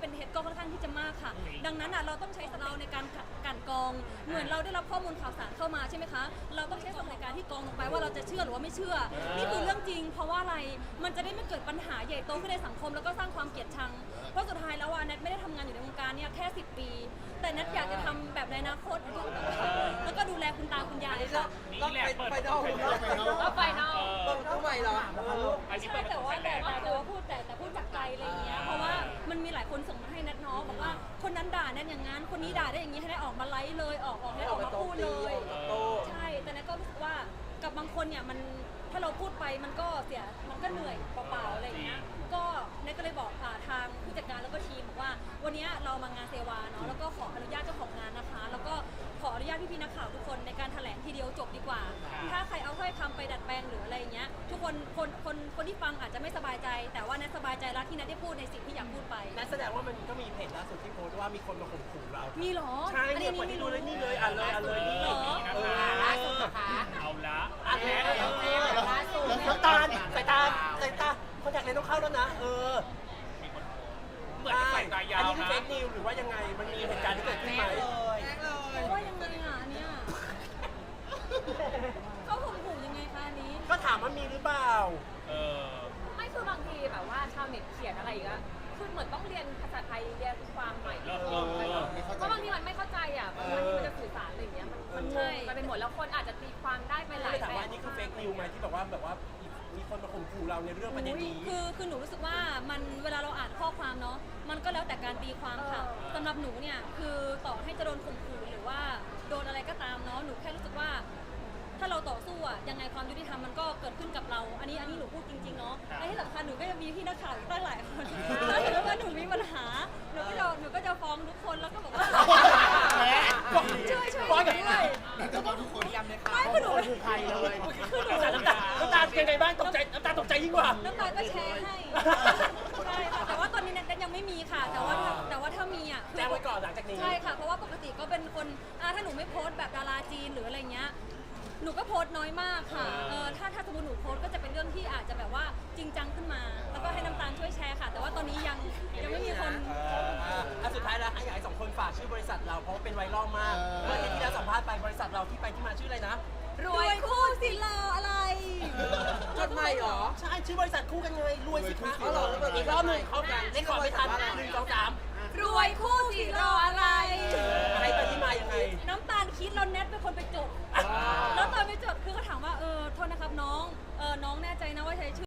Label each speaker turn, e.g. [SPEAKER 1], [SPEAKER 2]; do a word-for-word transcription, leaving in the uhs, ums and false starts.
[SPEAKER 1] เป็นเท็จก็ค่อนข้างที่จะมากค่ะดังนั้นอ่ะเราต้องใช้สเราในการกันกองเหมือนเราได้รับข้อมูลข่าวสารเข้ามาใช่ไหมคะเราต้องใช้สมองในการที่กองลงไปว่าเราจะเชื่อหรือว่าไม่เชื่อนี่คือเรื่องจริงเพราะว่าอะไรมันจะได้ไม่เกิดปัญหาใหญ่โตขึ้นในสังคมแล้วก็สร้างความเกลียดชังเพราะสุดท้ายแล้วว่าแนทไม่ได้ทำงานอยู่ในวงการเนี่ยแค่สิบปีแต่แนทอยากจะทำแบบในอนาคตแล้วก็ดูแลคุณตาคุณยายค่ะ
[SPEAKER 2] ก็ไปนอก
[SPEAKER 3] ก็ไปนอก
[SPEAKER 2] ต้องไปเหรอ
[SPEAKER 1] ใช่แต่ว่าแต่แต่แต่ว่าพูดแต่แต่พูดจากใจอะไรอย่างเงี้ยเพราะว่ามันมีหลายคนส่งมาให้แนทเนาะบอกว่าคนนั้นด่าแนทอย่างงั้นคนนี้ด่าได้อย่างงี้ให้แนทออกมาไลฟ์เลยออกออกให้ออกมาพูดเลยใช่แต่แนทก็รู้สึกว่ากับบางคนเนี่ยมันถ้าเราพูดไปมันก็เสียมันก็เหนื่อยเปล่าๆอะไรอย่างเงี้ยก็แนทก็เลยบอกทางผู้จัดการแล้วก็ทีมบอกว่าวันนี้เรามางานเซวาเนาะแล้วก็ขออนุญาตเจ้าของงานนะคะแล้วก็ขออนุญาตพี่ๆนักข่าวทุกคนในการแถลงทีเดียวจบดีกว่าถ้าใครเอาถ้อยคำไปดัดแปลงหรืออะไรอย่างเงี้ยทุกคนคนคนคนที่ฟังอาจจะไม่สบายใจแต่ว่าแนทสบายใจแล้วที่แนทได้พูดในสิ่งที่อยากพูดไป
[SPEAKER 2] นั่นแสดงว่ามันก็มีเพจล่าสุดที่โพสต์ว่ามีคนมาข่มขู่เรา
[SPEAKER 1] มีเหรอ
[SPEAKER 2] ใช่เนี่ยคนที่ดูเลยนี่เลยอ่านเลยอ่านเลยนี่
[SPEAKER 3] ล่าสุดนะคะ
[SPEAKER 4] เอาละ
[SPEAKER 2] อ่านแล้ว
[SPEAKER 3] ล่าสุด
[SPEAKER 2] น้ำตาลสายตาสายตาคนอยากเล่นต้องเข้าแล้วนะเออ
[SPEAKER 4] เหมือนใส่ตายา
[SPEAKER 2] อัน
[SPEAKER 4] ว
[SPEAKER 2] นี้คือ
[SPEAKER 4] นะ
[SPEAKER 2] เฟซนิวหรือว่ายังไงมันมีเหตุการณ์ที่เกิดขึ้นไหม
[SPEAKER 1] เพราะว่ายังไงอ่ะอันเนี่ยเขาข่มขู่ยังไงคะอันนี้
[SPEAKER 2] ก็ถามว่ามีหรือเปล่า
[SPEAKER 4] เออ
[SPEAKER 3] ไม่คือบางทีแบบว่าชาวเน็ตเขียนอะไรอีกอะคือเหมือนต้องเรียนภาษาไทยเรียนความใหม่เพราะบางทีมันไม่เข้าใจอ่ะบางทีมันจะสื่อสารอะไรอย่างเงี้ยมันมันงงกันไปหมดแล้วคนอาจจะตีความได้ไปห
[SPEAKER 2] ก็
[SPEAKER 3] ลา
[SPEAKER 2] เลย ยถาม
[SPEAKER 3] แบ
[SPEAKER 2] ว่า
[SPEAKER 3] บ
[SPEAKER 2] อันนี้คือเฟกนิวไหมที่แบบว่าแบบว่ามีคนมาข่มขู่เราในเรื่องประเด็นนี้
[SPEAKER 1] คือคือหนูรู้สึกว่ามันเวลาเราอ่านข้อความเนาะมันก็แล้วแต่การตีความค่ะสำหรับหนูเนี่ยคือต่อให้จะโดนข่มขู่หรือว่าโดนอะไรก็ตามเนาะหนูแค่รู้สึกว่า ถ้าเราต่อสู้อะยังไงความยุติธรรมมันก็เกิดขึ้นกับเรา อันนี้อันนี้หนูพูดจริงๆเนาะและที่สำคัญหนูก็ยังมีพี่นักข่าวอีกตั้งหลายคนถ้าเกิดว่าหนูมีปัญหาหนูก็จะหนูก็จะฟ้องทุกคนแล้วก็บอกว่าช่วยช่วยด้วย
[SPEAKER 5] จะบอกทุกคนย้ำเลยค่ะ
[SPEAKER 1] ไม่คือหนู
[SPEAKER 5] คือใครเลย
[SPEAKER 1] คือหนู
[SPEAKER 2] น้ำตาน้ำตาเป็นไงบ้างตกใจน้ำตาตกใจยิ่งกว่า
[SPEAKER 1] น้ำตาลก็แชร์ให้ใช่ค่ะแต่ว่าตอนนี้แนทยังไม่มีค่ะ แต่ว่าแต่ว่าถ้ามีอ่ะ
[SPEAKER 2] แจ้งไว้ก่อนหลังจากนี้
[SPEAKER 1] ใช่ค่ะเพราะว่าปกติก็เป็นคนอ่าถ้าหนูไม่โพสต์แบบดาราจีนหรืออะไรเงี้ยหนูก็โพสต์น้อยมากค่ะเออถ้าถ้าสมมติหนูโพสต์ก็จะเป็นเรื่องที่อาจจะแบบว่าจริงจังขึ้นมา แล้วก็ให้น้ำตาลช่วยแชร์ค่ะ แต่ว่าตอนนี้ยังยังไม่มีคน
[SPEAKER 2] อ่ะสุดท้ายแล้วให้อยากให้สองคนฝากชื่อบริษัทเราเพราะว่าเป็นไวรัลมากเมื่อที่เราสัมภาษณ์ไปบริษัทเราที่ไปที่มาชื่ออะไรนะ
[SPEAKER 1] รวยคู่สิรออะไร
[SPEAKER 2] จดใหม่เหรอใช่ชื่อบริษัทคู่กันไงรวยสิคะอีกรอบหนึ่งเข้ากันเล่นก่อนไม่ทันหนึ่งสองสาม
[SPEAKER 1] รวยคู่สิรออะไร
[SPEAKER 2] อะไรไปที่มายังไง
[SPEAKER 1] น้ำตาลคิดเราแนทเป็นคนไปจดแล้วตอนไปจดคือเขาถามว่าเออโทษนะครับน้องเออน้องแน่ใจนะว่าใช้ชื่อ